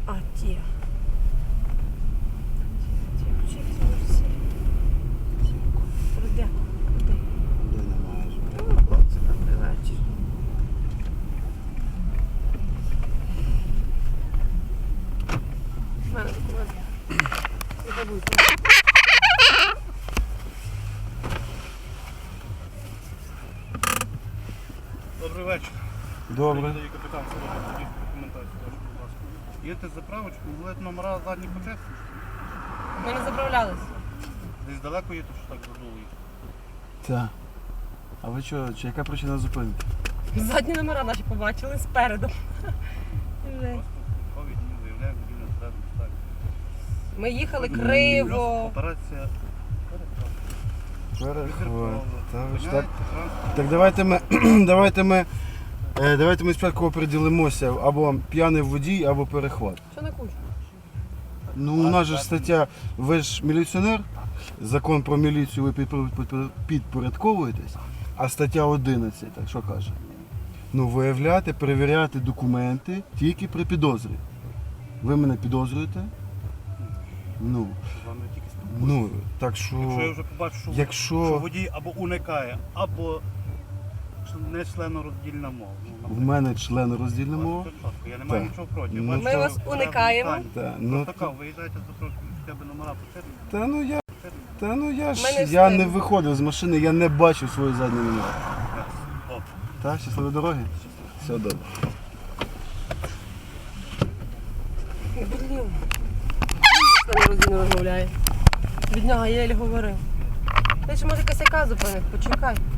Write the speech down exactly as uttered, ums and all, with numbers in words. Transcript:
А, ті. Де? Де? Де немає? Ну, хлопці, добрий вечір. У мене документ. Не забудьте. Добрий вечір. Добре. Приїздає капітан Сорока, тоді документацію теж, будь ласка. Їдете заправочку, були номера задні почесні? Ми не заправлялись. Десь далеко їдете, що так задуло їх? Так. А ви що, чи яка причина зупинки? Задні номера наші побачили спереду. Жесть. Просто ковід, не виявляємо, водій не всередину ставить. Ми їхали криво. Операція Перехват. Та ви ж так. Міняєте транспорт. Так давайте ми, давайте ми, е, давайте ми спочатку оприділимося або п'яний водій, або перехват. Що на кучу? Ну у нас же ж стаття, ви ж міліціонер, закон про міліцію ви підпор- підпор- підпорядковуєтесь, а стаття одинадцять, так що каже? Ну виявляти, перевіряти документи тільки при підозрі. Ви мене підозрюєте? Ну, З вами тільки спілкуюся. ну, так що... Якщо я вже побачу, що, Якщо- що водій або уникає, або не членороздільна мова. Ну, В мене член роздільна мова. Це чітко, я не маю Так. нічого проти. Ну, Бачу, Ми що вас порядок уникаємо. питань. Та, ну, Така, виїжджайте за трошки, хоча б номера потрібні. Та ну я, та ну я ж, Ми не я встигли. не виходив з машини, я не бачив свої задні номери. О, Так, щасливої дороги? Все добре. Блін. З нами роздільно розмовляє. Від нього я єлі говорив. Ти ж може косяка зупинив, почекай.